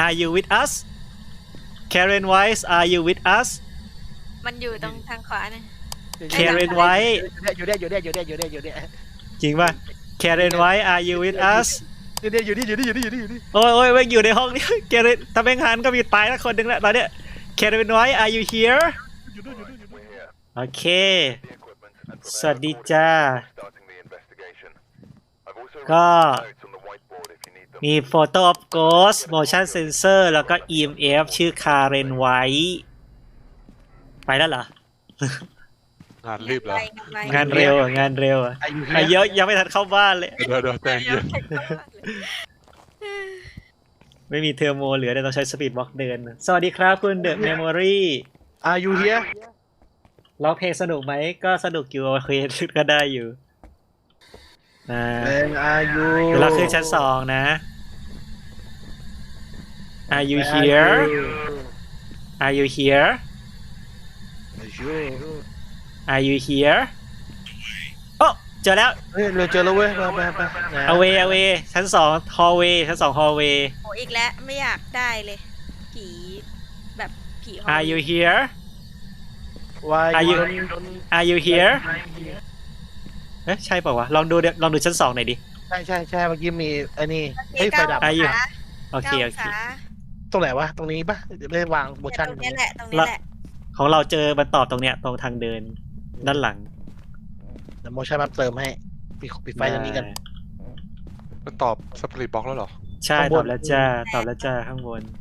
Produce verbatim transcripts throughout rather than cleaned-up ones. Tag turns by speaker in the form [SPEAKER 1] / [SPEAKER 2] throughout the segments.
[SPEAKER 1] Are you with us Karen Wise Are you with us
[SPEAKER 2] มันอยู่ตรงทางขวาเนี่ย
[SPEAKER 1] Karen White
[SPEAKER 3] อยู่เนี่ยอยู่เนี่ยอยู่เนี่ยอยู่เนี่ยอยู่เนี่ย
[SPEAKER 1] จริงป่ะ Karen White Are you with us
[SPEAKER 3] อยู่เนี่ยอยู่นี่อยู่นี่อยู่นี่อยู่นี่อยู่นี่
[SPEAKER 1] โอ้ยโอ้ยแม่งอยู่ในห้องนี้ Karen ถ้าแม่งหันก็มีตายแล้วคนหนึ่งแล้วตอนเนี้ย Karen White Are you here
[SPEAKER 3] อยู่นู่นอยู่นู่นอยู่นู่น
[SPEAKER 1] โอเคสวัสดีจ้าก็มี Photo of Ghost Motion Sensor แล้วก็ อี เอ็ม เอฟ ชื่อ Karen White ไปแล้วเหรอ
[SPEAKER 4] งานรีบแล้ว
[SPEAKER 1] งานเร็วอะงานเร็วอะ
[SPEAKER 3] อายุ
[SPEAKER 1] อ่ะเยอะยังไม่ทันเข้าบ้านเลย
[SPEAKER 4] เดี๋ยวเดี๋ยวใจเย็น
[SPEAKER 1] ไม่มีเทอร์โมเหลือแต่ต้องใช้สปีดบล็อกเดิน สวัสดีครับคุณเดอะเมมโมรี่
[SPEAKER 3] อายุเฮีย
[SPEAKER 1] ร้องเพลงสนุกไหมก็สนุกอยู่โอเคก็ได้อยู่อ่า
[SPEAKER 3] เป็นอายุ
[SPEAKER 1] เดี๋ยวเราขึ้นชั้นสองนะ Are you here Are you here
[SPEAKER 3] อายุ
[SPEAKER 1] Are you here โอ้เจอแล้ว
[SPEAKER 3] เฮ้ยเราเจอแล้วเว้ยไปไปไป
[SPEAKER 1] away away ชั้นสอง hallway ชั้นสอง hallway
[SPEAKER 2] โอ้อีกแล้วไม่อยากได้เลยผีแบบผีห้อง
[SPEAKER 1] Are you here
[SPEAKER 3] วาย
[SPEAKER 1] Are you Are you here เอ๊ะใช่เปล่าวะลองดูเดี๋ยวลองดูชั้นสองหน่อยดิ
[SPEAKER 3] ใช่ใช่ใช่เมื่อกี้มีไอ้นี่เฮ้ยไฟดับ
[SPEAKER 1] Are you โอ
[SPEAKER 2] โอ
[SPEAKER 1] เคโอเค
[SPEAKER 3] ตรงไหนวะตรงนี้ปะไม่ได้วางโมชั่น
[SPEAKER 2] ตรงนี้แหละตรงนี้แหละ
[SPEAKER 1] ของเราเจอมันตอบตรงเนี้ยตรงทางเดินด้านหลัง
[SPEAKER 3] เดี๋ยวโมชั่นมาเติมให้ปิดปิดไฟตรงนี้กัน
[SPEAKER 4] มันตอบสปริตบล็อกแล้วเหรอ
[SPEAKER 1] ใช่
[SPEAKER 3] ข้างบน
[SPEAKER 1] ตอบแล้วจ้าตอบแล้วจ้าข้างบน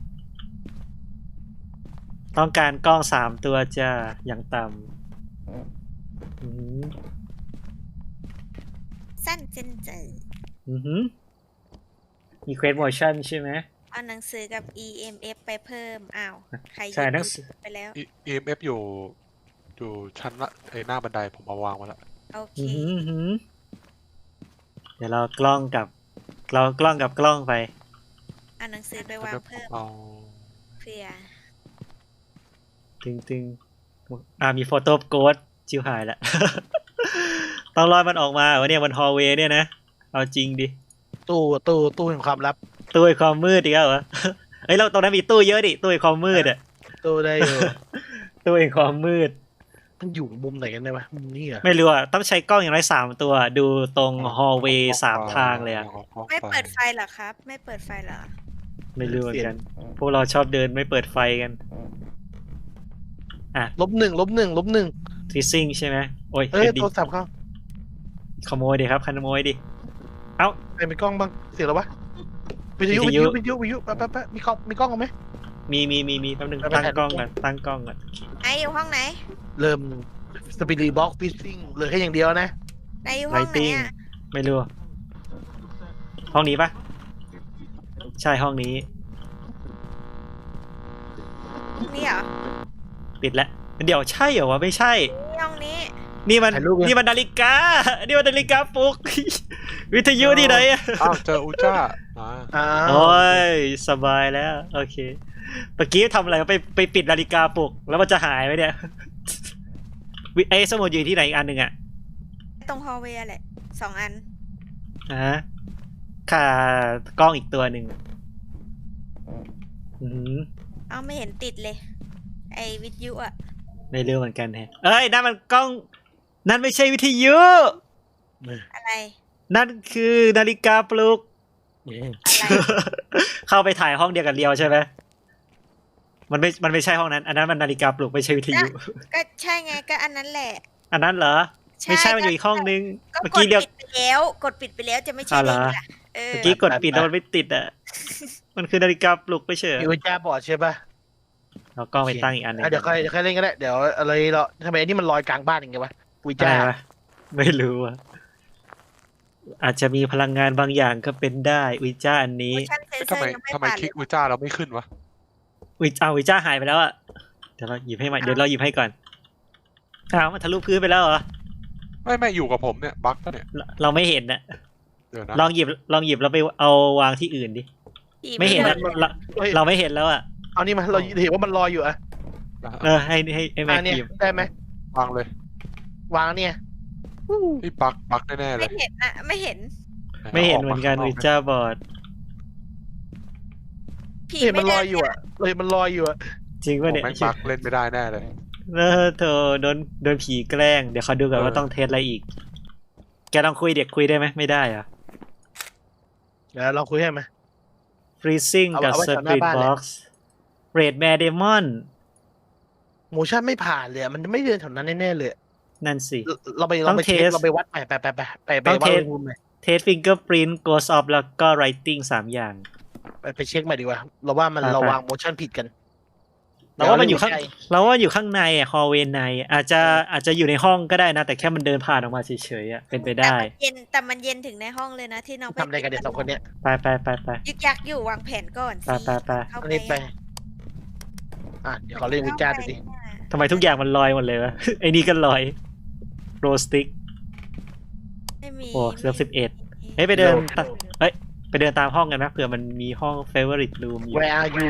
[SPEAKER 1] ต้องการกล้องสามตัวจ้าอย่างต่ำอือหือ
[SPEAKER 2] สั้นเจนเจอ
[SPEAKER 1] อือหือมีเควสโมชั่นใช่ไหม
[SPEAKER 2] เอาหนังสือกับ อี เอ็ม เอฟ ไปเพิ่มอ้าวใครหยิบ
[SPEAKER 1] ใช่หนังสือ
[SPEAKER 2] ไปแล้ว
[SPEAKER 4] E- อี เอ็ม เอฟ อยู่อยู่ชั้นละไอหน้าบันไดผมเอาวางไว้แล้ว
[SPEAKER 2] โอเค
[SPEAKER 1] อือหืออื้อหือเดี๋ยวเรากล้องกับเรากล้องกับกล้องไป
[SPEAKER 2] เอาหนังสือไปวางเพิ่ม
[SPEAKER 4] เอา
[SPEAKER 2] เพื่อ
[SPEAKER 1] ตึงตึงอ่ามีโฟโต้โกดจิวหายละ ต้องรอมันออกมาเหรอเนี่ยมันฮอลเวย์เนี่ยนะ เอาจริงดิ
[SPEAKER 3] ตู้ตู้ตู้แห่งความลับ
[SPEAKER 1] ตู้ไอความมืดอีกแล้วเหรอ เฮ้ยเราตรงนั้นมีตู้เยอะดิตู้ไอความมืดอ่ะ
[SPEAKER 3] ตู้ได้อยู่
[SPEAKER 1] ตู้ไอความมืด
[SPEAKER 3] มันอยู่มุมไหนกันได้ปะมุมนี้เหรอ
[SPEAKER 1] ไม่รู้อ่ะต้องใช้กล้องอย่างไรสามตัว ดูตรงฮอลเวย์สามทางเลยอ่ะ
[SPEAKER 4] ากล้อง
[SPEAKER 2] ไม่
[SPEAKER 4] ฟ
[SPEAKER 2] เปิดไฟเหรอครับ ไม่เปิดไฟเหรอ
[SPEAKER 1] ไม่รู้เหมือนกัน พวกเราชอบเดินไม่เปิดไฟกัน อ่ะ
[SPEAKER 3] ลบหนึ่งลบหนึ่งลบหนึ่ง
[SPEAKER 1] ทริซซิ่งใช่ไหมโอ้ย
[SPEAKER 3] เอ้ย
[SPEAKER 1] เอ็ดดิ
[SPEAKER 3] โทรศัพท์เขา
[SPEAKER 1] ขโมยดิครับขโมยดิ เอ้า
[SPEAKER 3] ใครมีกล้องบ้างเสียแล้ววะวิทยุ
[SPEAKER 1] วิ
[SPEAKER 3] วิ
[SPEAKER 1] ท
[SPEAKER 3] ท
[SPEAKER 1] ยุ
[SPEAKER 3] ยุวิทยุวิทยุแป๊บแป๊บแป๊บมีกล้องมีกล้องไหม
[SPEAKER 1] มีมีมีมีแป๊บนึง
[SPEAKER 3] ไปไป
[SPEAKER 1] ตั้ง
[SPEAKER 3] ถ่าย
[SPEAKER 1] กล้อง
[SPEAKER 3] รูป
[SPEAKER 1] ก่อนตั้งกล้องก่อน
[SPEAKER 2] ไออยู่ห้องไหน
[SPEAKER 3] เริ่มสปีดบ็อกฟิซซิ่งเหลือแค่อย่างเดียวนะ
[SPEAKER 2] ไออยู่
[SPEAKER 1] ไล
[SPEAKER 2] ห้องไหน
[SPEAKER 1] ติ้ง
[SPEAKER 2] อ่ะ
[SPEAKER 1] ไม่รู้ ห้องนี้ปะใช่ห้องนี้
[SPEAKER 2] นี่เหรอ
[SPEAKER 1] ปิดแล้วเดี๋ยวใช่เหรอวะไม่ใช่
[SPEAKER 2] นี่ห้องนี้
[SPEAKER 1] นี่มัน
[SPEAKER 3] ถ่ายรูปเลย
[SPEAKER 1] นี่มันนาฬิกา นี่มันนาฬิกาปลุก วิทยุที่ไหนอะ
[SPEAKER 4] อ้าวเจออูจ้าอ่า
[SPEAKER 3] อ้า
[SPEAKER 1] โอ้
[SPEAKER 3] วย
[SPEAKER 1] สบายแล้ว โอเคเมื่อกี้ทำอะไรไปไปปิดนาฬิกาปลุก แล้วมันจะหายไหมเนี่ย วิไอ้สมุดอยู่ที่ไหนอีกอันหนึ่งอะ
[SPEAKER 2] ตรงฮอลเวย์แหละสองอัน
[SPEAKER 1] ฮะค่ากล้องอีกตัวหนึ่งอืม
[SPEAKER 2] เอาไม่เห็นติดเลย ไอวิทยุอ่ะ
[SPEAKER 1] ไม่รู้เหมือนกันแฮะเอ้ยนั่นมันกล้อง นั่นไม่ใช่วิทยุ
[SPEAKER 2] อะไร
[SPEAKER 1] นั่นคือนาฬิกาปลุก
[SPEAKER 3] นี่
[SPEAKER 2] อะไร
[SPEAKER 1] เข้าไปถ่ายห้องเดียวกันเรียวใช่ไหมมันไม่ มันไม่ใช่ห้องนั้น อันนั้นมันนาฬิกาปลุกไม่ใช่วิทยุ
[SPEAKER 2] ก็ใช่ไงก็อันนั้นแหละ
[SPEAKER 1] อันนั้นเหรอ ไม่ใช่มันอยู่อีกห้องนึง
[SPEAKER 2] ก็
[SPEAKER 1] เมื่อก
[SPEAKER 2] ด
[SPEAKER 1] กี้เดียว
[SPEAKER 2] ปิดไปแล้ว กดปิดไปแล้วจะไม่ใช่
[SPEAKER 1] อ้าวเหร
[SPEAKER 2] ได้
[SPEAKER 1] อ
[SPEAKER 2] ไงล่ะเออ
[SPEAKER 1] เมื่อกี้กดปิดแล้วมันไม่ติดอ่ะ มันคือนาฬิกาปลุกไม่ใช่เหรอ
[SPEAKER 3] มีวิจ้าบอร์ดใช่ปะ
[SPEAKER 1] เอากล้องไปตั้งอีกอันหนึง
[SPEAKER 3] อ่ะเดี๋ยวใครเดี๋ยวใครเล่นก็ได้เดี๋ยวอะไรเราทำไมอันนี้มันลอยกลางบ้านอย่างเงี้ยวะวิ
[SPEAKER 1] อะไร
[SPEAKER 3] จ้าว
[SPEAKER 1] ะไม่รู้อ่ะ อาจจะมีพลังงานบางอย่างก็เป็นได้วิจ้าอันนี้
[SPEAKER 2] โมชั่นเซนเซ
[SPEAKER 4] ทำ
[SPEAKER 2] อ
[SPEAKER 4] ไม
[SPEAKER 2] ร์ยังไม่
[SPEAKER 4] ทำไม
[SPEAKER 2] ผ่าน
[SPEAKER 4] คลิก
[SPEAKER 2] เลย
[SPEAKER 4] อูจ้าเราไม่ขึ้นวะ
[SPEAKER 1] วิเอาวิจ้าหายไปแล้วอ่ะ เดี๋ยวเราหยิบให้ใหม่เดี๋ยวเราหยิบให้ก่อนอ้าวมันทะลุพื้นไปแล้วเหรอ
[SPEAKER 4] ไม่ไม่อยู่กับผมเนี่ยบั๊กปะเนี่ย
[SPEAKER 1] เราเราไม่เห็นนะ
[SPEAKER 4] เดี๋ยวนะ
[SPEAKER 1] ลองหยิบลองหยิบแล้วไปเอาวางที่อื่นดิ
[SPEAKER 2] ผี
[SPEAKER 1] ไม่เห็น
[SPEAKER 2] ด้
[SPEAKER 1] นะเรา
[SPEAKER 3] เฮ้ย
[SPEAKER 1] เราไม่เห็นแล้วอ่ะ
[SPEAKER 3] เอานี่มาเราเห็นว่ามันลอยอยู่อะ
[SPEAKER 1] เออให้ให้ให้แม็
[SPEAKER 3] อ่าก เนี่ย
[SPEAKER 1] หยิบ
[SPEAKER 3] ได้ไหม
[SPEAKER 4] วางเลยว
[SPEAKER 3] างเนี่ยอู้
[SPEAKER 4] นี่บั๊กบั๊กแน่ๆเล
[SPEAKER 2] ไม่
[SPEAKER 4] ย
[SPEAKER 2] เห็นอะไม่เห็น
[SPEAKER 1] ไม่เห็นเหมือนกัน
[SPEAKER 4] า
[SPEAKER 1] วิ
[SPEAKER 4] ข้าง
[SPEAKER 1] จ้าบอร์ด
[SPEAKER 2] ผี
[SPEAKER 3] เห็น
[SPEAKER 2] ไม่
[SPEAKER 3] มันล
[SPEAKER 2] เดิ
[SPEAKER 3] อย
[SPEAKER 2] น
[SPEAKER 3] อยู่อะเราเห็นมันลอยอยู่อะ
[SPEAKER 1] จริง
[SPEAKER 4] ผ
[SPEAKER 1] ป่ะ
[SPEAKER 4] ม
[SPEAKER 1] เนี่ย
[SPEAKER 4] แม่งบักเล่นไม่ได้แน่เลย
[SPEAKER 1] เออเธอโดนโดนผีแกล้งเดี๋ยวเขาดูก่อน
[SPEAKER 4] เออ
[SPEAKER 1] ว่าต้องเทสอะไรอีก แกลองคุยเด็กคุยได้ไหมไม่ได้เหรอะ
[SPEAKER 3] เดี๋ยวเราคุยให้ไหม
[SPEAKER 1] freezing
[SPEAKER 3] เอา
[SPEAKER 1] กับ
[SPEAKER 3] เอาไว้แถวหน้า
[SPEAKER 1] spirit
[SPEAKER 3] บ้านเลย
[SPEAKER 1] box red mare demon
[SPEAKER 3] โมชั่นไม่ผ่านเลยอะมันไม่เดินแถวนั้นแน่ๆเลย
[SPEAKER 1] นั่นสิ
[SPEAKER 3] เราเราไป
[SPEAKER 1] ต้
[SPEAKER 3] เรา
[SPEAKER 1] อง
[SPEAKER 3] ไปเทส
[SPEAKER 1] เทส
[SPEAKER 3] เราไปวัดไปไปไปไปไปไป
[SPEAKER 1] ต้อง
[SPEAKER 3] วัด
[SPEAKER 1] เทส
[SPEAKER 3] อุณหภูมิหน่อย
[SPEAKER 1] เทส fingerprint ghost of แล้วก็ writing สามอย่าง
[SPEAKER 3] ไปไปเช็คใหม่ดีกว่า เราว่ามัน
[SPEAKER 1] ไปไป
[SPEAKER 3] เราวางโมชั่นผิดกัน
[SPEAKER 1] เราว่ามันอยู่ข้าง
[SPEAKER 3] เดี๋ว
[SPEAKER 1] เราว่าอยู่ข้างในอะ hallway ในอาจจะอาจจะอยู่ในห้องก็ได้นะ แต่แค่มันเดินผ่านออกมาเฉยๆอะเป็นไป
[SPEAKER 2] แต่
[SPEAKER 1] ได้
[SPEAKER 2] มันเย็นแต่มันเย็นถึงในห้องเลยนะที่น้องไป
[SPEAKER 3] ทำอะไรกันเดี๋ยวสองคนเนี้ย
[SPEAKER 1] ไปไปไปไป
[SPEAKER 2] ยึกยักอยู่วางแผนก่อน
[SPEAKER 1] ไป
[SPEAKER 2] สิ
[SPEAKER 1] ไปไป
[SPEAKER 2] เข้า
[SPEAKER 3] อัน
[SPEAKER 2] ไป
[SPEAKER 3] นี้ไป อ่ะเดี๋ยวขอเล่นวิจารณ์ดูดิ
[SPEAKER 1] ทำไมทุกอย่างมันลอยหมดเลยวะ ไอ้นี่ก็ลอยโรสติก
[SPEAKER 2] ไม่มี
[SPEAKER 1] โอ้เสือสิบเอ็ด เฮ้ยไปเดินตะเฮ้ยไปเดินตามห้องกันนะเผื่อมันมีห้อง favorite room อยู่
[SPEAKER 3] Where are you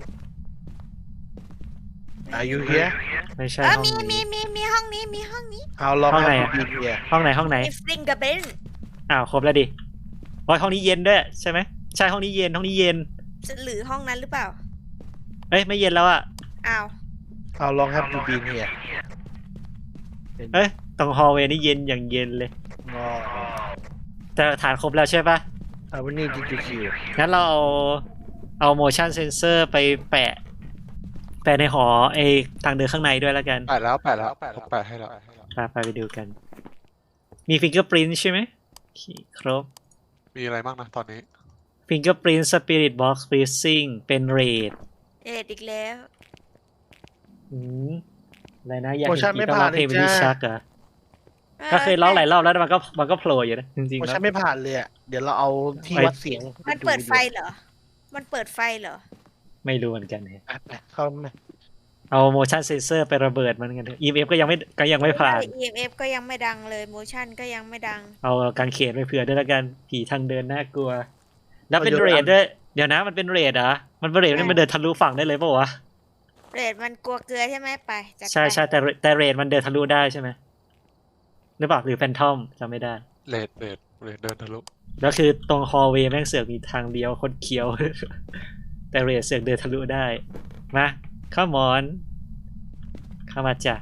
[SPEAKER 3] Are you here
[SPEAKER 1] ไม่ใช่
[SPEAKER 2] เออ
[SPEAKER 1] ห้อง
[SPEAKER 2] มี
[SPEAKER 1] นี้
[SPEAKER 2] มีมีมีห้องนี้มีห้องนี้
[SPEAKER 3] How long
[SPEAKER 1] ห้องไหน
[SPEAKER 3] have
[SPEAKER 1] อะ
[SPEAKER 3] you been here
[SPEAKER 1] ห้องไหนห้องไหน
[SPEAKER 2] มีฟิงกับเบน
[SPEAKER 1] อ้าวครบแล้วดิโอ้ยห้องนี้เย็นด้วยใช่ไหมใช่ห้องนี้เย็นห้องนี้เย็น
[SPEAKER 2] หรือห้องนั้นหรือเปล่า
[SPEAKER 1] เอ้ยไม่เย็นแล้วอะ
[SPEAKER 2] อ้าว
[SPEAKER 3] How long have you been here
[SPEAKER 1] เอ้ยตรง hallway นี่เย็นอย่างเย็นเลย
[SPEAKER 3] อ๋อ
[SPEAKER 1] แต่ฐานครบแล้วใช่ปะ
[SPEAKER 3] How many did you kill
[SPEAKER 1] งั้นเราเอาเอา motion sensor ไปแปะ แปะในหอไอทางเดินข้างในด้วยแล้วกัน
[SPEAKER 4] แปะแล้วแปะแล้วผมแปะให้แล้ว
[SPEAKER 1] ไปไปไปดูกัน มี fingerprint ใช่ไหมโอเคครบ
[SPEAKER 4] มีอะไรบ้างนะตอนนี้
[SPEAKER 1] fingerprint spirit box freezing เป็น red
[SPEAKER 2] เอ็ดอีกแล้ว
[SPEAKER 1] อืมอะไรนะอยาก
[SPEAKER 3] โม
[SPEAKER 1] เห็น
[SPEAKER 3] ชั่น
[SPEAKER 1] ผี
[SPEAKER 3] ไม่
[SPEAKER 1] ต้อง
[SPEAKER 3] ผ่า
[SPEAKER 1] ร้อน งเพลง
[SPEAKER 3] เล
[SPEAKER 1] เป็น
[SPEAKER 3] ย
[SPEAKER 1] ที่
[SPEAKER 3] จ้า
[SPEAKER 1] ชักเหรอก็เคยร้องหลายรอบแล้วมันก็มันก็โผล่อยู่นะจริง
[SPEAKER 3] โม
[SPEAKER 1] ๆแล้ว
[SPEAKER 3] ชั่นไม่ผ่านเลยอะเดี๋ยวเราเอาที่
[SPEAKER 1] ไป
[SPEAKER 3] วัดเสียง
[SPEAKER 2] มันเปิดไฟเหรอ มันเปิดไฟเหรอ
[SPEAKER 1] ไม่รู้เหมือนกันเนี่ย
[SPEAKER 3] ไปไปเข้ามา
[SPEAKER 1] เอา motion sensor ไประเบิดมันกันเถอะ อี เอ็ม เอฟ ก็ยังไม่ก็ยังไม่ผ่าน
[SPEAKER 2] อี เอ็ม เอฟ ก็ยังไม่ดังเลย motion ก็ยังไม่ดัง
[SPEAKER 1] เอากางเขนไปเผื่อด้วยแล้วกันผีทางเดินน่ากลัว แล้วเป็นเรดด้วยเดี๋ยวนะมันเป็นเรดเหรอมันเป็นเรดนี่มันเดินทะลุฝั่งได้เลยเปล่าวะ
[SPEAKER 2] เรดมันกลัวเกลือใช่ไหมไปจัด
[SPEAKER 1] ใช่
[SPEAKER 2] ไป
[SPEAKER 1] ใช่แต่แต่เรดมันเดินทะลุได้ใช่ไหมหรือเปล่าหรือแฟนทอมจำไม่ได้
[SPEAKER 4] เลดเลดเลดเดินทะลุ
[SPEAKER 1] แล้วคือตรงฮอลเวย์แม่งเสือกมีทางเดียวคนเคี้ยว แต่เรดเสือกเดินทะลุได้มาเข้ามอนเข้ามาจ้ะ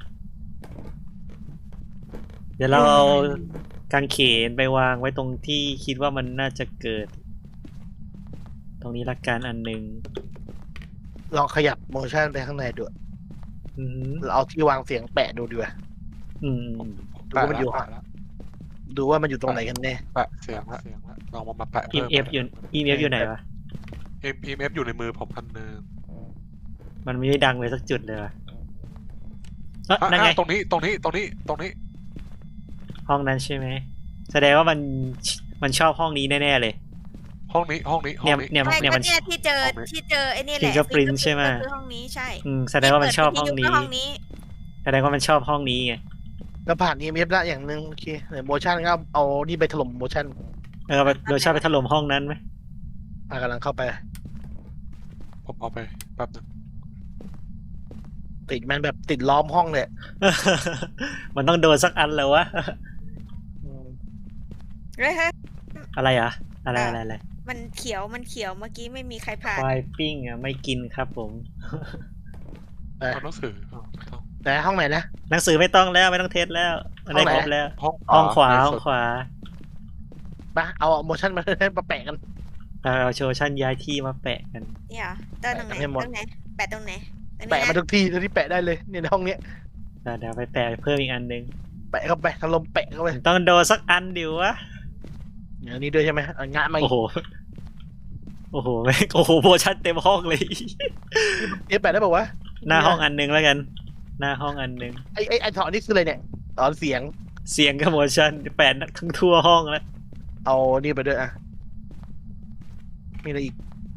[SPEAKER 1] เดี๋ยวเราเอากางเขนไปวางไว้ตรงที่คิดว่ามันน่าจะเกิด ตรงนี้ละกันอันหนึ่ง
[SPEAKER 3] ลองขยับโมชั่นไปข้างในดู
[SPEAKER 1] อืม
[SPEAKER 3] เราเอาที่วางเสียงแปะดูดีกว่า
[SPEAKER 1] อืม
[SPEAKER 3] ดูว่ามันอยู่
[SPEAKER 4] แปะแล้ว
[SPEAKER 3] ดูว่ามันอยู่ตรงไหนกันแน่
[SPEAKER 4] แปะเสียงละลองมามาแปะ
[SPEAKER 1] อี
[SPEAKER 4] เพิ่ม
[SPEAKER 1] เอฟอยู่อีเอฟอยู่ไหนวะ
[SPEAKER 4] เอ็มเอฟอยู่ในมือผมอันนึง
[SPEAKER 1] มันไม่ได้ดังเลยสักจุดเลยวะเอ้ย
[SPEAKER 4] อ่ะ
[SPEAKER 1] นั่นไง
[SPEAKER 4] อ่ะตรงนี้ตรงนี้ตรงนี้ตรงนี้
[SPEAKER 1] ห้องนั้นใช่ไหมแสดงว่ามันมันชอบห้องนี้แน่ๆเลย
[SPEAKER 4] ห้องนี้ห้องนี้ห้อ
[SPEAKER 1] เนี่ย
[SPEAKER 4] งนี้
[SPEAKER 1] เนี่ย
[SPEAKER 2] ไม่
[SPEAKER 1] เนี่ย
[SPEAKER 2] ก็
[SPEAKER 1] มัน
[SPEAKER 2] เนี่ยที่เจอ
[SPEAKER 4] ห้องนี้
[SPEAKER 2] ที่เจอไอ้นี่แหละ
[SPEAKER 1] Fingerprint ใช่ไหม
[SPEAKER 2] คือห้องนี้ใช่
[SPEAKER 1] อืมแสดงว่ามันชอบห้อง
[SPEAKER 2] ที่
[SPEAKER 1] นี้
[SPEAKER 2] เปิดวิทยุก็ห้องนี้
[SPEAKER 1] แสดงว่ามันชอบห้องนี้ไง
[SPEAKER 3] ก็ผ่าน อี เอ็ม เอฟ แล้วอย่างหนึ่งโอเคเดี๋ยวโมชั่นก็เอานี่ไปถล่มโมชั่น
[SPEAKER 1] เออโดยชอบไปถล่มห้องนั้นไหม
[SPEAKER 3] อ่ะกำลังเข้าไป
[SPEAKER 4] ผมเอาไปแป๊บนึง
[SPEAKER 3] ติดมันแบบติดล้อมห้องเลย
[SPEAKER 1] มันต้องโดนสักอันแล้ววะ
[SPEAKER 3] อืม
[SPEAKER 2] เฮ้ยเฮ้ย
[SPEAKER 1] อะไรอ่ะ อะไรอะไรอะไร
[SPEAKER 2] มันเขียวมันเขียวเมื่อกี้ไม่มีใครผ่าน
[SPEAKER 1] ควายปิ้งอ่ะไม่กินครับผม
[SPEAKER 3] ไป
[SPEAKER 4] เอาหนังสือเอาไม่ต้อง
[SPEAKER 3] แต่ห้องไหนนะ
[SPEAKER 1] หนังสือไม่ต้องแล้วไม่ต้องเทสแล้วมันได้
[SPEAKER 3] ห้องไหน
[SPEAKER 1] ครบแล้ว
[SPEAKER 4] ห้อง
[SPEAKER 1] ห้องขวา
[SPEAKER 4] ใน
[SPEAKER 1] ห้อ
[SPEAKER 4] สุ
[SPEAKER 1] ง
[SPEAKER 4] ด
[SPEAKER 1] ขวา
[SPEAKER 3] มาเอาโมชั่นมา มาแปะกัน
[SPEAKER 1] เอาเอาโชว์ชั่นย้ายที่มาแปะกัน
[SPEAKER 2] เนี่ยเหรอเติมตรงไหน
[SPEAKER 3] แปะให้หมด
[SPEAKER 2] ตรงไหนแปะตรงไหนตรงนี้
[SPEAKER 3] แปะมา
[SPEAKER 2] นะ
[SPEAKER 3] ทุกที่ทุกที่แปะได้เลยเนี่ยในห้องเนี้ย
[SPEAKER 1] เดี๋ยวเดี๋ยวไปแปะเพิ่มอีกอันหนึง
[SPEAKER 3] แปะเข้าไปถล่มแปะเข้าไป
[SPEAKER 1] ต้องโดนสักอันดิวะ
[SPEAKER 3] อย่างนี้ด้วยใช่ไหมเอางะมาอี
[SPEAKER 1] โอ้
[SPEAKER 3] ก
[SPEAKER 1] โห โอ้โหแม่งโอ้โหโพชั่นเต็มห้องเลย
[SPEAKER 3] เอ๊ะแปะได้บอกว่าว
[SPEAKER 1] หน้าห้องอันหนึงแล้วกัน หน้าห้องอันหนึง
[SPEAKER 3] ะไอ้ไอ้ไอ้ถอนนี่คืออะไรเนี่ยถอนเสียง
[SPEAKER 1] เสียงกับโมชั่นแปดทั้งทั่วห้องแล้ว
[SPEAKER 3] เอานี่ไปด้วยอ่ะมีอะไรอีก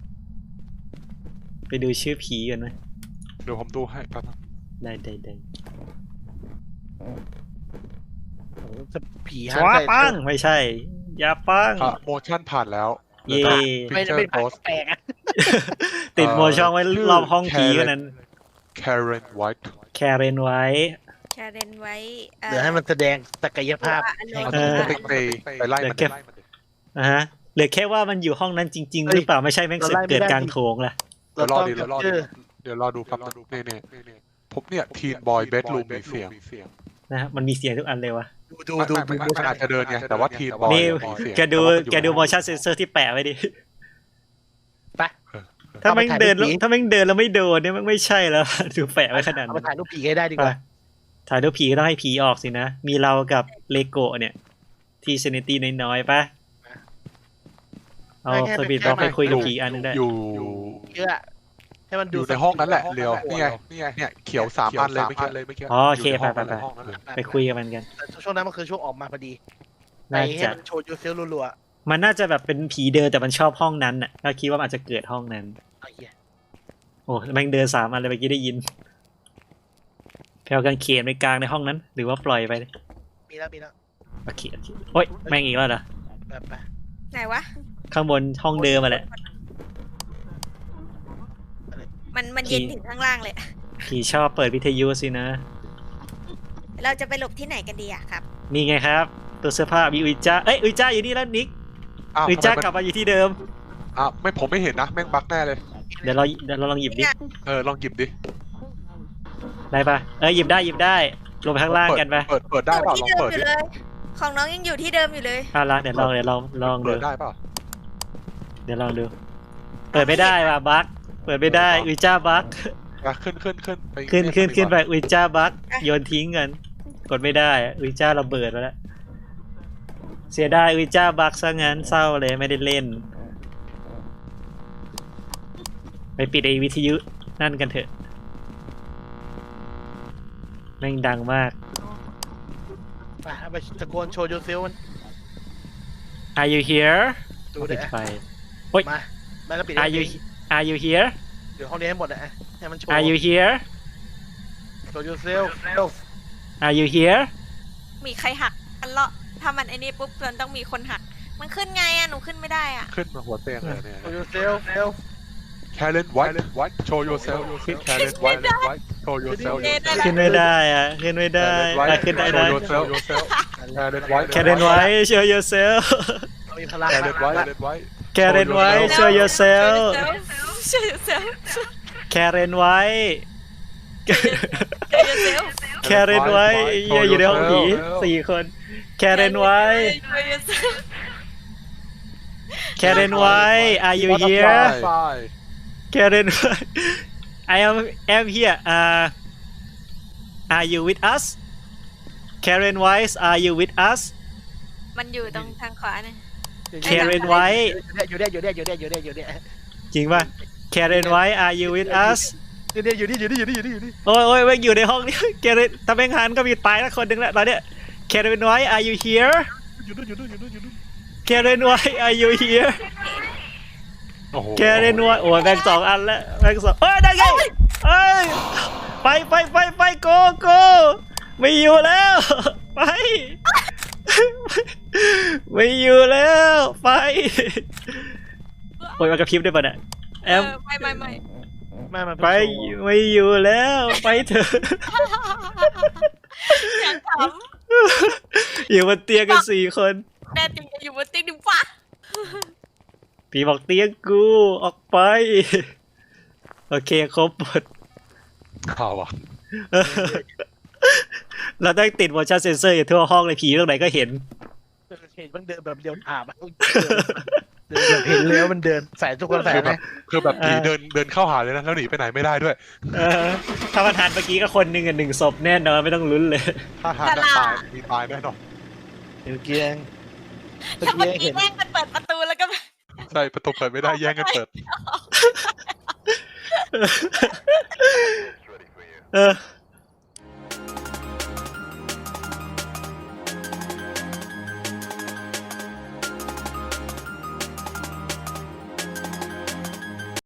[SPEAKER 1] ไปดูชื่อผีกันไหม
[SPEAKER 4] เดี๋ยวผมดูให้แป๊บนึง
[SPEAKER 1] ได้ได้ได้
[SPEAKER 3] โอ้โหจะผี
[SPEAKER 1] ชัวร์ปังไม่ใช่ อย่าปัง
[SPEAKER 4] อ่ะโมชั่นผ่านแล้ว
[SPEAKER 1] เย่
[SPEAKER 3] ไม่ได้ไม่
[SPEAKER 4] โพ
[SPEAKER 3] ผ่าน
[SPEAKER 4] ส
[SPEAKER 3] แปลกอ่ะ
[SPEAKER 1] ติดโมชั่นไว้รอบห้องผีกันนั้น
[SPEAKER 4] แคเรนไวท์
[SPEAKER 1] แคเรนไว้
[SPEAKER 2] แชร์เรนไว้
[SPEAKER 3] เดี๋ยวให้มันแสดงศักยภาพ
[SPEAKER 2] ตัวอ
[SPEAKER 1] เออ
[SPEAKER 2] โน
[SPEAKER 4] ไปไปไปไล่มัน
[SPEAKER 1] เดี๋ยวเก็บ อ่ะฮะเหลือแค่ว่ามันอยู่ห้องนั้นจริง ๆ หรือเปล่าไม่ใช่แม่งเสือกเกิดกลางโถงล่ะ
[SPEAKER 4] เดี๋ยวรอ
[SPEAKER 3] ต้อง
[SPEAKER 4] ดีเดี๋ยวรอ
[SPEAKER 3] ชื่
[SPEAKER 4] ดี
[SPEAKER 3] อ
[SPEAKER 4] เดี๋ยวรอดูครับนี่นี่นี่ผมเนี่ยทีนบอยเบดรูมมีเสียง
[SPEAKER 1] นะฮะมันมีเสียงทุกอันเลยวะ
[SPEAKER 3] ดู
[SPEAKER 4] ไม่
[SPEAKER 3] ดู
[SPEAKER 4] ไม่
[SPEAKER 3] ดู
[SPEAKER 4] ไม่
[SPEAKER 3] ดู
[SPEAKER 4] มันอาจจะเดินไงแต่ว่าทีนบอย
[SPEAKER 1] นี่
[SPEAKER 4] มีเสียง
[SPEAKER 1] แกดู
[SPEAKER 4] ต่ว่ามันอยู่
[SPEAKER 1] แกดู
[SPEAKER 4] ในห้อง
[SPEAKER 1] motion sensor ที่แปะไว้ดิ
[SPEAKER 3] ไป
[SPEAKER 1] ถ้าแม่งเดินแล้ว
[SPEAKER 3] เอาไปถ่ายรูปผี
[SPEAKER 1] ถ้าแม่งเดินแล้วไม่โดนเนี่ยมันไม่ใช่แล้ว ดูแปะไว้ขนาด
[SPEAKER 3] เอา
[SPEAKER 1] นั้
[SPEAKER 3] มาน ถ่ายรูปผีให้ได้ดีก
[SPEAKER 1] ไป
[SPEAKER 3] ว่า
[SPEAKER 1] ถ่ายรูปผีก็ต้องให้ผีออกสินะ มีเรากับเลโกะเนี่ย ที่เซนิตี้น้อยๆปะเอาสปีดบล็อกไปคุยกับผีอันนึงได้
[SPEAKER 4] อยู่
[SPEAKER 3] เชื่อให้มัน
[SPEAKER 4] อ
[SPEAKER 3] ดู
[SPEAKER 4] ยู่ในห้องนั้นแหละเรียวนี่ไงนี่ไงเนี่ยเขียวสามอันเลยเมื่อกี้เลยเมื่อกี้
[SPEAKER 1] อ๋อโอเค
[SPEAKER 4] ยู่ในห้ง
[SPEAKER 1] ไปไป
[SPEAKER 4] ในห้องนั้นเลย
[SPEAKER 1] ไปคุยกับมันกัน
[SPEAKER 3] แต่ช่วงนั้นมันคือช่วงออกมาพอดีใน
[SPEAKER 1] น่า
[SPEAKER 3] ให้
[SPEAKER 1] จะ
[SPEAKER 3] มันโชว์ยูเซลรัว
[SPEAKER 1] มันน่าจะแบบเป็นผีเดินแต่มันชอบห้องนั้นน่ะก็คิดว่ามันอาจจะเกิดห้องนั้น
[SPEAKER 3] ๆไอ้เหี้ย
[SPEAKER 1] โอ้แม่งเดินสามอันเลยเมื่อกี้ได้ยินแพลวกางเขนไปกลางในห้องนั้น หรือว่าปล่อยไป
[SPEAKER 3] มีแล้วมีแล้ว
[SPEAKER 1] โอเคโอเคโอ้ยแม่งอีกแล้วเหรอ
[SPEAKER 3] แบบไป
[SPEAKER 2] ไหนวะ
[SPEAKER 1] ข้างบนห้องเดิมมาแหละ
[SPEAKER 2] มันมันเย็นถึงข้างล่างเลย
[SPEAKER 1] ผีชอบเปิดวิทยุสินะ
[SPEAKER 2] เราจะไปหลบที่ไหนกันดีอะครับ
[SPEAKER 1] นี่ไงครับ ตัวเสื้อผ้ามีอุยจ้าเอ้ยอุยจ้าอยู่นี่แล้วนิก
[SPEAKER 4] อ้าว
[SPEAKER 1] อุย
[SPEAKER 4] ทำ
[SPEAKER 1] จ้า
[SPEAKER 4] ไมมัน
[SPEAKER 1] กลับมาอยู่ที่เดิม
[SPEAKER 4] อ้าวไม่ผมไม่เห็นนะแม่งบั๊กแน่เลย
[SPEAKER 1] เดี๋ยวเราเดี๋ยวเราลองหยิบดิ
[SPEAKER 4] เออลองหยิบดิ
[SPEAKER 1] ได้ปะเอ้ยหยิบได้หยิบได้ลงไปข้างล่างกันไป
[SPEAKER 4] เปิดเปิดได้เปล่า
[SPEAKER 2] ที่
[SPEAKER 4] ลอง
[SPEAKER 2] เดิม
[SPEAKER 4] เปิด
[SPEAKER 2] อยู่
[SPEAKER 4] ดิ
[SPEAKER 2] เลย ของน้องยังอยู่ที่เดิมอยู่เลย
[SPEAKER 1] อ่ะละเดี๋ยวลองเดี๋ยวลองลองดู
[SPEAKER 4] เปิดได้เปล่า
[SPEAKER 1] เดี๋ยวลองดู เปิดไม่ได้ว่ะบั๊กเปิดไม่ได้อุยจ้าบั๊ก
[SPEAKER 4] อ่ะขึ้นขึ้นขึ้นไป
[SPEAKER 1] ขึ้นขึ้นขึ้นไป
[SPEAKER 4] เรียก
[SPEAKER 1] อุยจ้าบั๊ก
[SPEAKER 2] อ่ะ
[SPEAKER 1] โยนทิ้งกัน กดไม่ได้อะอุยจ้าระเบิดแล้ว เสียดายอุยจ้าบั๊กซะงั้นเศร้าเลยไม่ได้เล่น ไปปิดไอวิทยุนั่นกันเถอะแม่งดังมาก
[SPEAKER 3] ไปเอาไปตะโกนโชว์ยูเซลมัน
[SPEAKER 1] Are you here
[SPEAKER 3] ดู
[SPEAKER 1] ปิ
[SPEAKER 3] เด้
[SPEAKER 1] ด
[SPEAKER 3] อ
[SPEAKER 1] ไฟ
[SPEAKER 3] มาแม่ก็ปิด
[SPEAKER 1] Are you Are you here
[SPEAKER 3] เดี๋ยวห้องนี้ให้หมดนะให้มันโชว์
[SPEAKER 1] Are you here
[SPEAKER 3] โชว์ยูเซล
[SPEAKER 1] Are you here
[SPEAKER 2] มีใครหักมันเลาะถ้ามันไอ้นี่ปุ๊บมันต้องมีคนหัก มันขึ้นไงอะหนูขึ้นไม่ได้อะ
[SPEAKER 4] ขึ้นมาหัวเตียงเลยเนี่ย
[SPEAKER 3] โชว์ยูเซลเซล
[SPEAKER 4] Karen White White show yourself Karen White White show yourself
[SPEAKER 1] ขึ้นไม่ได้อะขึ้นไม่ได้อ่ะขึ้นได้ได้
[SPEAKER 4] show yourself yourself Karen White
[SPEAKER 1] Karen White show yourself
[SPEAKER 3] เรามีพลัง
[SPEAKER 4] Karen White Karen White
[SPEAKER 1] Karen White show yourself
[SPEAKER 2] Show yourself
[SPEAKER 1] Karen White
[SPEAKER 2] Show yourself
[SPEAKER 1] Karen White เหี้ยอยู่ในห้องผีสี่คน Karen White
[SPEAKER 2] Show yourself
[SPEAKER 1] Karen White Are you here Karen White I am am here uh Are you with us Karen White Are you with us
[SPEAKER 2] มันอยู่ตรงทางขวาเนี่ย
[SPEAKER 1] Karen White
[SPEAKER 3] อยู่เนี่ยอยู่เนี่ยอยู่เนี่ยอยู่เนี่ยอยู่เนี่ย
[SPEAKER 1] จริงป่ะ Karen White Are you with us
[SPEAKER 3] อยู่เนี่ยอยู่นี่อยู่นี่อยู่นี่อยู่นี่อยู่นี่
[SPEAKER 1] โอ้ยโอ้ยแม่งอยู่ในห้องนี้ Karen ถ้าแม่งหันก็มีตายแล้วคนหนึ่งแล้วตอนเนี้ย Karen White Are you here
[SPEAKER 3] อยู่นู่นอยู่นู่นอยู่นู่นอยู่นู่น
[SPEAKER 1] Karen White Are you here
[SPEAKER 4] โอ้โห
[SPEAKER 1] Karen White โอ้ยแบ่งสองอันแล้วแบ่งสองเอ้ยได้ไงเอ้ยไปไปไปไปโกโกไม่อยู่แล้ว ไป ไม่อยู่แล้วไปโอ้ยมันกระพริบได้ป่ะเนี่ยแอ
[SPEAKER 2] เอ
[SPEAKER 1] ม
[SPEAKER 2] อไม่ไม่ไม่
[SPEAKER 3] แม่มัน
[SPEAKER 1] ไปไม่อยู่แล้วไปเถอะ
[SPEAKER 2] อยากถาม
[SPEAKER 1] อยู่บนเตียงกันสี่คน
[SPEAKER 2] แน่จริงจะอยู่บนเตียงดิฟ้า
[SPEAKER 1] ผีบอกเตียงกูออกไป โอเคครบหมด
[SPEAKER 4] ข่าวอ่ะ
[SPEAKER 1] เราต้องติด motion sensor อยู่ทั่วห้องเลยผีตรงไหนก็เห็น
[SPEAKER 3] เห็นมันเดินแบบเดียวถามเดินแบบเห็นแล้วมันเดินใส่ทุกคนใส่
[SPEAKER 4] คือ
[SPEAKER 3] ไห
[SPEAKER 4] แบ
[SPEAKER 3] ม
[SPEAKER 4] บคือแบบผี
[SPEAKER 1] เออ
[SPEAKER 4] เดินเดินเข้าหาเลยนะแล้วหนีไปไหนไม่ได้ด้วย
[SPEAKER 1] เออถ้ามันทันเมื่อกี้ก็คนหนึ่งกับหนึ่งศพแน่นอนไม่ต้องลุ้นเลย
[SPEAKER 4] ถ้าหาจะตายมีตายแน่นอน
[SPEAKER 3] เมื่อกี้เองเมื่อ
[SPEAKER 2] ถ้าเมื่อ
[SPEAKER 3] กี้
[SPEAKER 2] กี้
[SPEAKER 3] เห็น
[SPEAKER 2] แย่งกันเปิดประตูแล้วก็
[SPEAKER 4] ใช่ประตูเปิดไม่ได้แย่งกันเปิด
[SPEAKER 1] เออ